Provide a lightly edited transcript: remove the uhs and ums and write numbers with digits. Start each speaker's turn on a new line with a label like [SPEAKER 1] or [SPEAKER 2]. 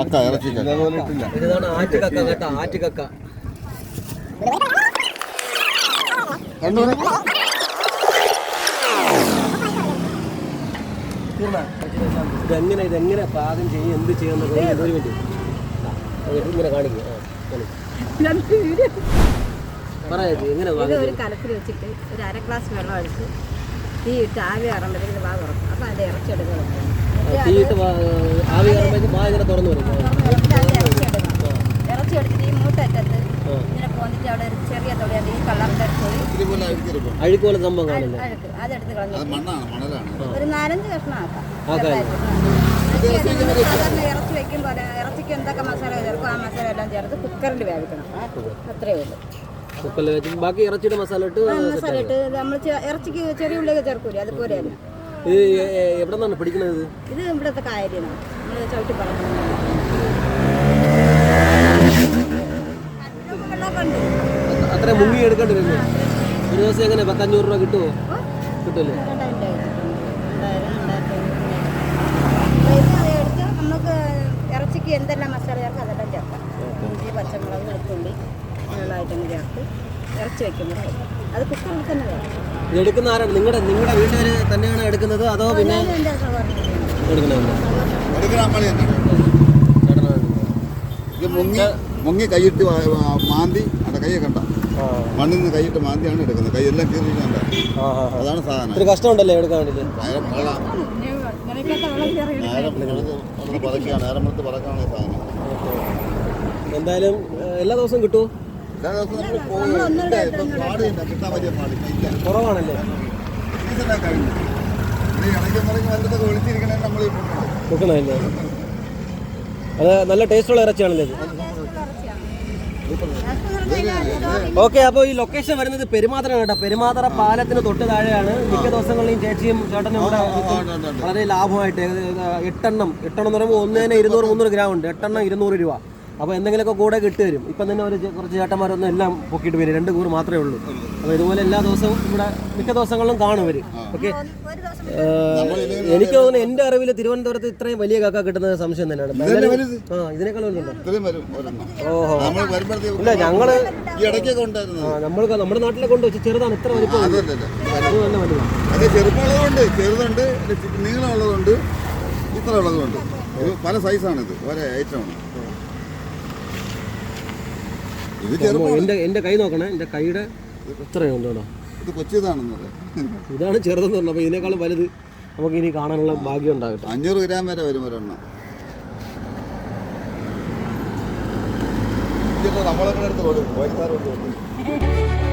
[SPEAKER 1] ഇതാണ് ആറ്റുകക്ക കേട്ടോ, ആറ്റുകക്ക. ഇതെങ്ങനെ പാകം ചെയ്യും, എന്ത് ചെയ്യുന്നത് ഒരു മിനിറ്റ് ഇങ്ങനെ കാണിക്കും. എങ്ങനെ
[SPEAKER 2] ഒരു കലത്തിൽ വെച്ചിട്ട് ഒരു 1/2 ഗ്ലാസ് വെള്ളം ഒഴിച്ച് തീ ഇട്ട് ആവി കയറുമ്പോഴത്തേക്കും വാ തുറക്കും. അപ്പം അതിൻ്റെ ഇറച്ചി എടുക്കണം.
[SPEAKER 1] തീ ഇട്ട് ആവി കയറുമ്പോഴേക്കും വാ ഇങ്ങനെ തുറന്നു വരും.
[SPEAKER 2] ഇറച്ചി എടുത്തിട്ട് ഈ മൂട്ടറ്റത്ത് ഇങ്ങനെ പോന്നിട്ട് അവിടെ ഒരു ചെറിയ തൊടിയുണ്ട്, ഈ കളറിൻ്റെ
[SPEAKER 1] അഴുക്ക് പോലെ സംഭവം കാണില്ല.
[SPEAKER 2] അതെടുത്ത് കളഞ്ഞു ഒരു 4-5 കഷ്ണം ആക്കാം. സാധാരണ ഇറച്ചി വെക്കുമ്പോൾ ഇറച്ചിക്ക് എന്തൊക്കെ മസാല ചേർക്കും ആ മസാല എല്ലാം ചേർത്ത് കുക്കറിൽ വേവിക്കണം. അത്രയേ ഉള്ളൂ.
[SPEAKER 1] കുക്കറിൽ വെച്ച് ബാക്കി ഇറച്ചിയുടെ മസാല ഇട്ട്
[SPEAKER 2] നമ്മൾ ഇറച്ചിക്ക് ചെറിയ ഉള്ളിയൊക്കെ ചേർക്കൂലേ, അതുപോലെയല്ല.
[SPEAKER 1] ഇത് എവിടെ നിന്നാണ് പിടിക്കുന്നത്?
[SPEAKER 2] ഇത് ഇവിടുത്തെ കായലിനാണ്, നമ്മൾ ചവിട്ടി പറഞ്ഞു.
[SPEAKER 1] അത്ര മുങ്ങി എടുക്കേണ്ടി വരുന്നു. ഒരു ദിവസം എങ്ങനെ 500 രൂപ കിട്ടുമോ? കിട്ടുമല്ലേ?
[SPEAKER 2] നമുക്ക് ഇറച്ചിക്ക് എന്തെല്ലാം മസാല ചേർക്കാം അതെല്ലാം ചേർക്കാം. ഇഞ്ചി, പച്ചമുളക്, വെളുത്തുള്ളി അങ്ങനെയുള്ള ഐറ്റം ചേർത്ത് ഇറച്ചി വെക്കുമ്പോൾ അത് കുക്കറിൽ തന്നെ വേണം.
[SPEAKER 1] ഇത് എടുക്കുന്ന ആരാണ്? നിങ്ങളുടെ വീട്ടുകാർ തന്നെയാണ് എടുക്കുന്നത് അതോ പിന്നെ
[SPEAKER 3] മുങ്ങി കൈയിട്ട് മാന്തി അവിടെ കൈയൊക്കെ കണ്ട മണ്ണിൽ നിന്ന് കൈയിട്ട് മാന്തിയാണ് എടുക്കുന്നത്. കൈയെല്ലാം കീറിയിട്ടുണ്ട്. അതാണ് സാധനം.
[SPEAKER 1] ഒരു കഷ്ടമുണ്ടല്ലേ എടുക്കാൻ വേണ്ടിയിട്ട്?
[SPEAKER 3] നേരമ്പളത്ത് പറക്കാണ് സാധനം.
[SPEAKER 1] എന്തായാലും എല്ലാ ദിവസവും കിട്ടുമോ?
[SPEAKER 3] എല്ലാ ദിവസവും കിട്ടാൻ വലിയ പാടില്ല,
[SPEAKER 1] കുറവാണല്ലേ?
[SPEAKER 3] കഴിഞ്ഞു ഇടയ്ക്ക് ഒളിച്ചിരിക്കണേ നമ്മൾ
[SPEAKER 1] കൊടുക്കണമല്ലേ? അത് നല്ല ടേസ്റ്റുള്ള ഇറച്ചിയാണല്ലേ ഇത്? ഓക്കെ, അപ്പോൾ ഈ ലൊക്കേഷൻ വരുന്നത് പെരുമാതറയാണ് കേട്ടോ. പെരുമാതറ പാലത്തിന് തൊട്ട് താഴെയാണ്. മിക്ക ദിവസങ്ങളിലും ചേച്ചിയും ചേട്ടനും ഇവിടെ വളരെ ലാഭമായിട്ട് 8 എണ്ണം എന്ന് പറയുമ്പോൾ 1-200-300 ഗ്രാം ഉണ്ട്. 8 എണ്ണം 200 രൂപ. അപ്പോൾ എന്തെങ്കിലുമൊക്കെ കൂടെ കിട്ടി വരും. ഇപ്പം തന്നെ കുറച്ച് ചേട്ടന്മാരൊന്നും എല്ലാം പൊക്കിയിട്ട് വരും. 2 കൂറ് മാത്രമേ ഉള്ളൂ. അപ്പോൾ ഇതുപോലെ എല്ലാ ദിവസവും ഇവിടെ മിക്ക ദിവസങ്ങളിലും കാണും വരും. ഓക്കെ, എനിക്ക് തോന്നുന്നു എൻ്റെ അറിവിൽ തിരുവനന്തപുരത്ത് ഇത്രയും വലിയ കക്ക കിട്ടുന്നത് സംശയം തന്നെയാണ്. ഇതിനേക്കാൾ വലുതുണ്ടോ? ഓഹോ, ഇല്ല ഞങ്ങള് നമ്മുടെ നാട്ടിലെ കൊണ്ട് വെച്ച് ചെറുതാണ്. ഇത്ര വലിപ്പം
[SPEAKER 3] ചെറുതുണ്ട്, നീളമുള്ളതുണ്ട്, ഇത്ര ഉള്ളതുണ്ട്. പല സൈസാണ്. ഇത് ഒരേ ഐറ്റമാണ്.
[SPEAKER 1] എന്റെ കൈ നോക്കണേ, എന്റെ കൈയുടെ ഇത്രയുണ്ട് കേട്ടോ.
[SPEAKER 3] ഇത് കൊച്ചിതാണെന്ന് പറയാം.
[SPEAKER 1] ഇതാണ് ചെറുതെന്ന് പറഞ്ഞത്. അപ്പോൾ ഇതിനേക്കാളും വലുത് നമുക്ക് ഇനി കാണാനുള്ള ഭാഗ്യം ഉണ്ടാകട്ടെ.
[SPEAKER 3] 500 ഗ്രാം വരെ വരും ഒരെണ്ണം. നമ്മളെ അടുത്ത് കൊടുക്കും.